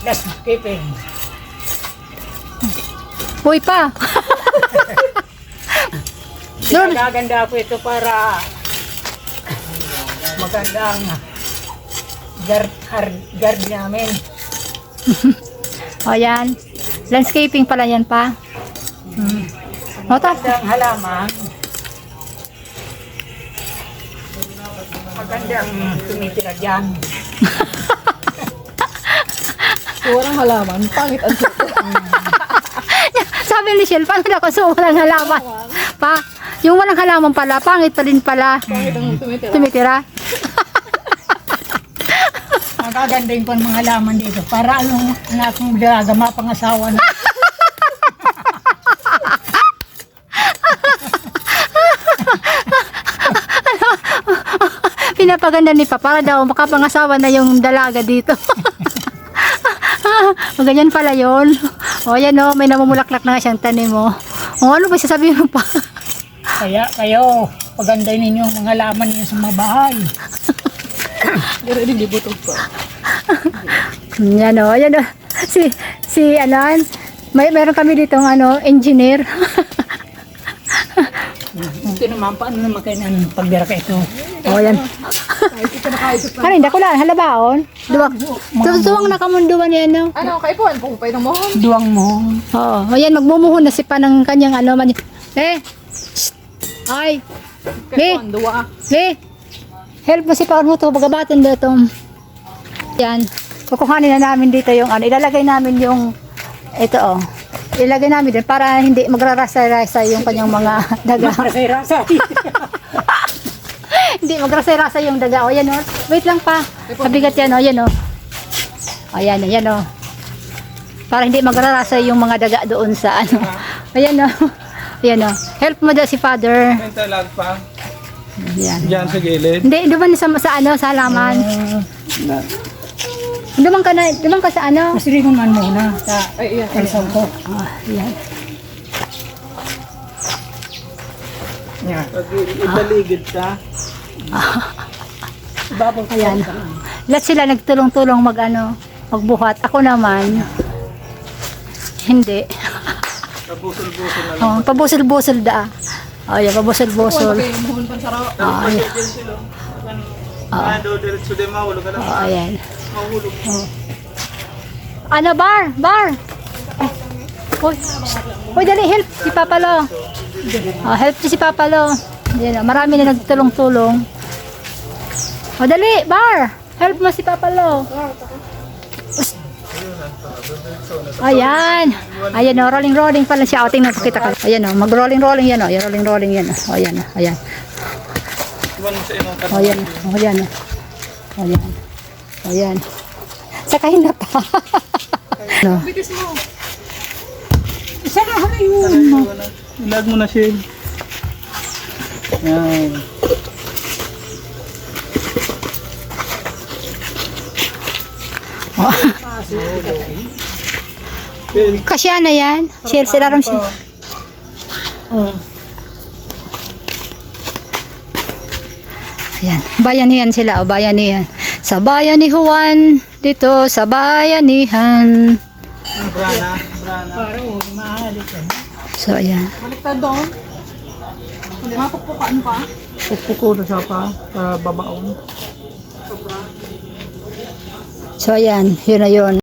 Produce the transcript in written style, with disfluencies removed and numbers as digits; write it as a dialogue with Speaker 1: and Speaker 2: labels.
Speaker 1: landscaping.
Speaker 2: Uy pa. Doon.
Speaker 1: Gaganda ko ito para magandang guard namin.
Speaker 2: O yan. Landscaping pala yan pa. O tapos.
Speaker 1: Magandang halaman. Magandang tumitira dyan.
Speaker 3: Walang halaman, pangit ang suko.
Speaker 2: Sabi ni Shell, paano na kung walang halaman? Pa, yung walang halaman pala, pangit pa rin pala.
Speaker 3: Pangit ang tumitira.
Speaker 2: Tumitira.
Speaker 1: Magagandahin ko ang mga halaman dito para anong na akong dalaga mapangasawa na.
Speaker 2: Pinapaganda ni Pa para daw makapangasawa na yung dalaga dito. Ganyan pala yun. O yan o, may namumulaklak na siyang tanim mo. O ano ba sasabihin mo pa?
Speaker 1: Kaya kayo, pagandahin ninyo ang mga halaman ninyo sa mga bahay.
Speaker 3: Pero hindi butog pa.
Speaker 2: Yan o, yan o. Si Alan, meron kami dito engineer.
Speaker 1: Ito naman, paano naman kayo ng pagbira ka ito?
Speaker 2: O yan.
Speaker 3: Kahit ito nakaisip na.
Speaker 2: Kanin, dako lang, halabaon. Duwang nakamunduan yan o.
Speaker 3: Ano, kaipuan, pupay ng mohon.
Speaker 1: Duwang mo.
Speaker 2: Oo, ayan, magmumuhon na si Pa ng kanyang shh! Ay!
Speaker 3: Kaipuan, duwa.
Speaker 2: Help mo si Pa mo to, bagabatin dito. Yan, kukuhanin na namin dito yung ilalagay namin yung, ito ilagay namin din para hindi magrarasa-rasa yung kanyang mga daga.
Speaker 1: Rasa-rasa.
Speaker 2: Hindi magrasa-rasa yung daga. O yan o, wait lang Pa, mabigat yan o, yan o. O yan o. Para hindi magrarasa yung mga daga doon sa ayan o. Ayan o. Help mo daw si Father.
Speaker 4: Talag pa.
Speaker 2: Ayan.
Speaker 4: Diyan sa gilid.
Speaker 2: Hindi, duman sa halaman. Duman ka sa
Speaker 1: Masilingon man muna sa
Speaker 3: Ay, iyan.
Speaker 1: kalsong ko.
Speaker 2: Ayan.
Speaker 1: Yan.
Speaker 4: Pag ibaligid ka.
Speaker 1: Ibabaw ka
Speaker 2: Ayan. Lahat sila nagtulong-tulong magbuhat. Ako naman, hindi.
Speaker 4: Pabusol-busol na lang.
Speaker 2: Pabusol-busol da. Ayan, pabusol-busol.
Speaker 3: Pupay ng mohon pansaraw.
Speaker 4: Tapos pag sila. Ano, diretso din mahulog ka lang.
Speaker 2: Ayan.
Speaker 4: Mahulog.
Speaker 2: Bar! Uy, dali, help si Papa Lo. Help si Papa Lo. Ayan, marami na nagtulong-tulong. Dali, Bar! Help mo si Papa Lo. Ayan. Ayan o, rolling pala siya. Tingnan ko kita ka. Ayan o, mag-rolling yan o. Rolling yan o. Ayan.
Speaker 4: Iwan mo sa inong
Speaker 2: O, ayan. Sakahin na pa.
Speaker 3: Bitis mo.
Speaker 1: Isa na yun.
Speaker 4: Ilag mo na siya. Yan.
Speaker 2: Kasya na yan. Share sila ron siya. Ayan. Bayanihan sila. O, bayanihan. Sa bayan ni Juan. Dito sa bayanihan.
Speaker 4: Brana.
Speaker 1: Paro, mahalik yan.
Speaker 2: So, ayan.
Speaker 3: Baliktad doon. Hindi mapukpukaan pa.
Speaker 4: Pukpuko na siya pa. Sa babaon.
Speaker 2: So, ayan. Yun na yun.